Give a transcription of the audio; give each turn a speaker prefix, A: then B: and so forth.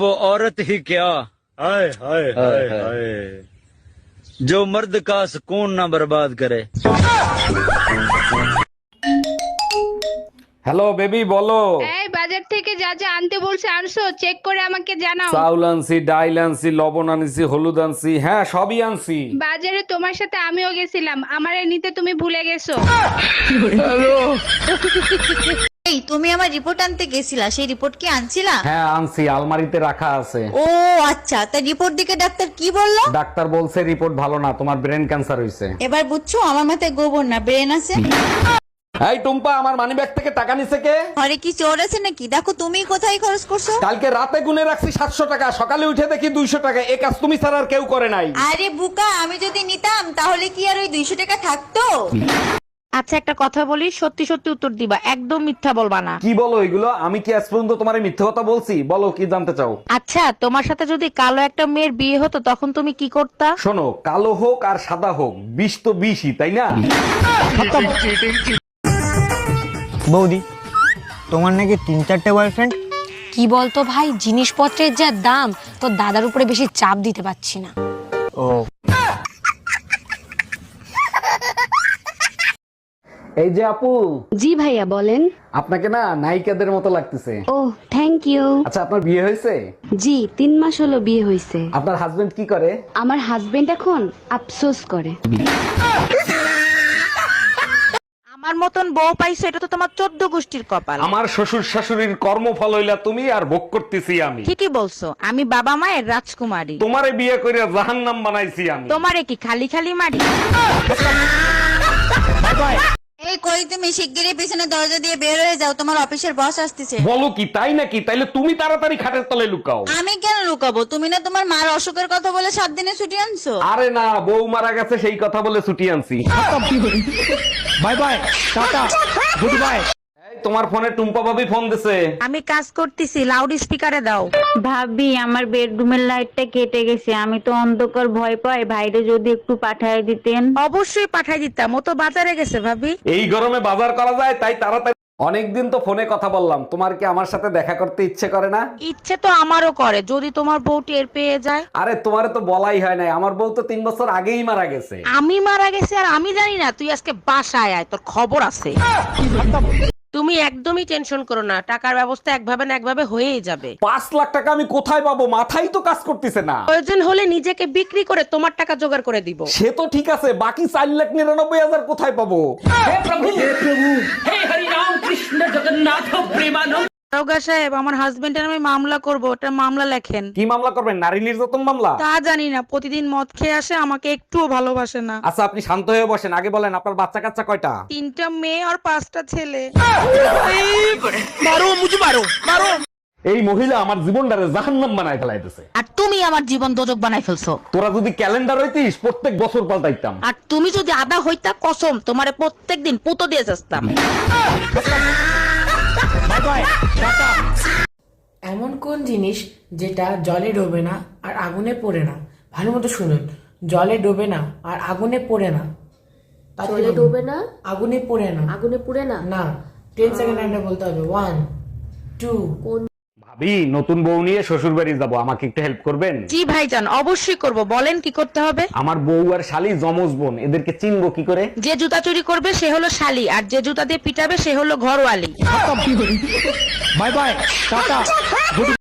A: वो औरत ही क्या
B: हाय हाय हाय हाय
A: जो मर्द का सुकून ना बर्बाद करे।
C: হ্যালো বেবি বলো।
D: এই বাজার থেকে যা যা আনতে বলছে আনছো, চেক করে আমাকে জানাও।
C: চাউল আনছি, ডাইল আনছি, লবণ আনছি, হলুদ আনছি, হ্যাঁ সবই আনছি।
D: বাজারে তোমার সাথে আমিও গেছিলাম, আমারে নিতে তুমি ভুলে গেছো।
E: এই তুমি আমার রিপোর্ট আনতে গেছিলা, সেই রিপোর্ট কি আনছিলা?
C: হ্যাঁ আনছি, আলমারিতে রাখা আছে।
E: ও আচ্ছা, তা রিপোর্ট দিকে ডাক্তার কি বললো?
C: ডাক্তার বলছে রিপোর্ট ভালো না, তোমার ব্রেন ক্যান্সার হইছে।
E: এবার বুঝছো আমার মাথায় গোবর না ব্রেন আছে।
C: এই টুম্পা, আমার মানিব্যাগ থেকে টাকা নিছে কে?
E: ঘরে কি চোর আছে নাকি? দেখো তুমি কোথায় খরচ করছো।
C: কালকে রাতে গুনে রাখছি 700 টাকা, সকালে উঠে দেখি 200 টাকা। এই কাজ তুমি ছাড়া আর কেউ করে নাই।
E: আরে বুকা, আমি যদি নিতাম তাহলে কি আর ওই 200 টাকা থাকতো?
F: আচ্ছা একটা কথা বলি, সত্যি সত্যি উত্তর দিবা, একদম মিথ্যা বলবা না।
C: কি বলো এগুলো? আমি কি আজ পর্যন্ত তোমার মিথ্যে কথা বলছি? বলো কি জানতে চাও?
F: আচ্ছা তোমার সাথে যদি কালো একটা মেয়ের বিয়ে হতো তখন তুমি কি করতা?
C: শোনো, কালো হোক আর সাদা হোক, বিষ তো বিষই, তাই না?
G: বৌদি, তোমার নাকি 3-4টে বয়ফ্রেন্ড?
H: কি বলতো ভাই, জিনিসপত্রের যা দাম, তো দাদার উপরে বেশি চাপ দিতে পারছি না।
G: ও
C: এই যে আপু,
H: জি ভাইয়া বলেন।
C: আপনাকে না নায়িকাদের মতো লাগতেছে।
H: ও থ্যাংক ইউ।
C: আচ্ছা, আপনার বিয়ে হয়েছে?
H: জি 3 মাস হলো বিয়ে হয়েছে।
C: আপনার হাজবেন্ড কি করে?
H: আমার হাজবেন্ড এখন আফসোস করে।
F: আমার মতন বউ পাইছো, এটা তো তোমার 14 গোষ্ঠীর কপাল।
C: আমার শ্বশুর শাশুড়ির কর্মফল হইলা তুমি, আর ভোগ করতেছি আমি।
F: ঠিকই বলছো, আমি বাবা মায়ের রাজকুমারী।
C: তোমারে বিয়ে করে জাহান্নাম বানাইছি আমি।
F: তোমারে কি খালি খালি মারি?
E: এই কই তুমি শিগগিরই পিছনে দরজা দিয়ে বের হয়ে যাও, তোমার অফিসের বস আসতেছে।
C: বলো কি, তাই নাকি? তাইলে তুমি তাড়াতাড়ি খাটের তলে লুকাও।
E: আমি কেন লুকাবো? তুমি না তোমার মার অসুখের কথা বলে 7 দিনে ছুটি আনছো।
C: আরে না, বউ মারা গেছে সেই কথা বলে ছুটি আনছি।
G: Bye bye, tata, goodbye.
C: এই, তোমার ফোনে টুম্পা ভাবি ফোন দিছে।
F: আমি কাজ করতেছি, লাউড স্পিকারে দাও।
I: ভাবি আমার বেডরুমের লাইটটা কেটে গেছে, আমি তো অন্ধকার ভয় পাই, ভাইরে যদি একটু পাঠায় দিতেন।
F: অবশ্যই পাঠাই দিতাম, ও তো বাজারে গেছে ভাবি।
C: এই গরমে বাজার করা যায়, তাই তাড়াতাড়ি। অনেকদিন তো ফোনে কথা বললাম, তোমার কি আমার সাথে দেখা করতে ইচ্ছে করে না?
F: ইচ্ছে তো আমারও করে, যদি তোমার বউ টের পেয়ে যায়।
C: আরে তোমারে তো বলাই হয় নাই, আমার বউ তো 3 বছর আগেই মারা গেছে।
F: আমি মারা গেছে আর আমি জানি না? তুই আজকে বাসায় আয়, তোর খবর আছে। তুমি একদমই টেনশন করো না, টাকার ব্যবস্থা একভাবে না একভাবে হয়েই যাবে।
C: 5 লাখ টাকা আমি কোথায় পাবো? মাথাই তো কাজ করতেছে না।
F: প্রয়োজন হলে নিজেকে বিক্রি করে তোমার টাকা জোগাড় করে দিব।
C: সে তো ঠিক আছে, বাকি 4,99,000 কোথায় পাবো?
F: দারোগা সাহেব, আমার হাজবেন্ডের আমি মামলা করব, ওটা মামলা লেখেন।
C: কি মামলা করবেন? নারী নির্যাতন মামলা?
F: তা জানি না, প্রতিদিন মদ খেয়ে আসে, আমাকে একটুও ভালোবাসে না।
C: আচ্ছা আপনি শান্ত হয়ে বসেন, আগে বলেন আপনার বাচ্চা কাচ্চা কয়টা?
F: 3টা মেয়ে আর 5টা ছেলে।
C: এই মহিলা আমার জীবনটারে জাহান্নাম বানায় ফেলাইতেছে।
F: আর তুমি আমার জীবন দোজক বানাই ফেলছো।
C: তোরা যদি ক্যালেন্ডার হইতিস, প্রত্যেক বছর পাল্টাইতাম।
F: আর তুমি যদি আদা হইতা, কসম তোমারে প্রত্যেকদিন পুতো দিয়ে যাস্তাম।
J: এমন কোন জিনিস যেটা জলে ডোবে না আর আগুনে পড়ে না? ভালো মতো শুনুন, জলে ডোবে না আর আগুনে পড়ে না।
I: জলে ডোবে না,
J: আগুনে পড়ে না।
I: আগুনে পুড়ে না।
J: না, 10 সেকেন্ড টাইমটা বলতে হবে। 1 2
C: ভাবি, নতুন বউ নিয়ে শ্বশুর বাড়ি যাবো, আমাকে একটু হেল্প করবেন?
F: জি ভাইজান, অবশ্যই করব, বলেন কি করতে হবে।
C: আমার বউ আর শালি জমজ বোন, এদেরকে চিনবো কি করে?
F: যে জুতা চুরি করবে সে হলো শালি, আর যে জুতা দিয়ে পিটাবে সে হলো ঘরওয়ালি।
G: Bye bye, tata, good